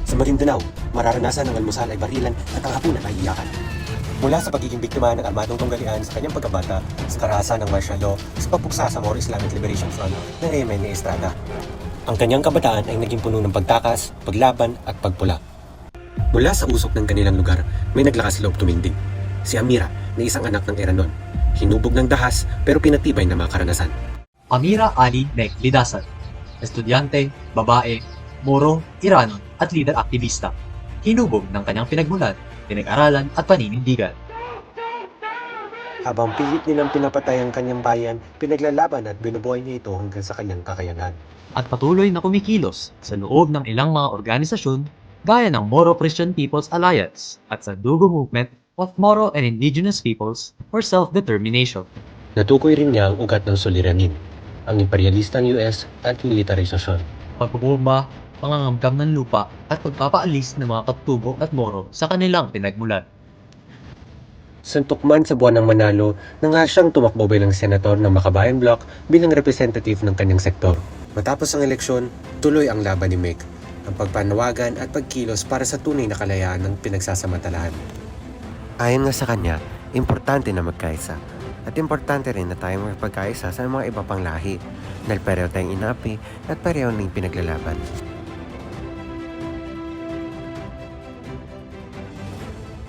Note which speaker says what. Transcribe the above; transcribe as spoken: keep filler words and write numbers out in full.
Speaker 1: Sa Maguindanao, mararanasan ng almusal ay barilan at ang hapunan ay iyakan. Mula sa pagiging biktima ng armadong tunggalian sa kanyang pagkabata, sa karahasan ng martial law, sa pagpuksa sa Moro Islamic Liberation Front ng Reymen ni Estrada. Ang kanyang kabataan ay naging puno ng pagtakas, paglaban at pagpula. Mula sa usok ng kanilang lugar, may naglakas loob tumindig. Si Amira na isang anak ng Eranon. Hinubog ng dahas pero pinatibay na mga karanasan.
Speaker 2: Amira Ali Nek Lidasan, estudyante, babae, Moro, Iranon at leader aktivista. Hinubog ng kanyang pinagmulan, pinag-aralan at paninindigan.
Speaker 1: Habang pilit nilang pinapatay ang kanyang bayan, pinaglalaban at binubuhay niya ito hanggang sa kanyang kakayanan.
Speaker 2: At patuloy na kumikilos sa loob ng ilang mga organisasyon gaya ng Moro Christian People's Alliance at sa Dugo Movement of Moro and Indigenous Peoples for Self-Determination.
Speaker 1: Natukoy rin niya ang ugat ng suliranin, ang imperialistang U S at militarisasyon.
Speaker 2: Pagbubomba, pangangamkam ng lupa at pagpapaalis ng mga katubo at Moro sa kanilang pinagmulan.
Speaker 1: Suntok man sa buwan ng Manalo, nang siyang tumakbo bilang senator ng Makabayan Bloc bilang representative ng kanyang sektor. Matapos ang eleksyon, tuloy ang laban ni Meg, ang pagpanawagan at pagkilos para sa tunay na kalayaan ng pinagsasamantalahan. Ayon nga sa kanya, importante na magkaisa. At importante rin na tayo magpagkaisa sa mga iba pang lahi dahil pareho tayong inapi at pareho ning pinaglalaban.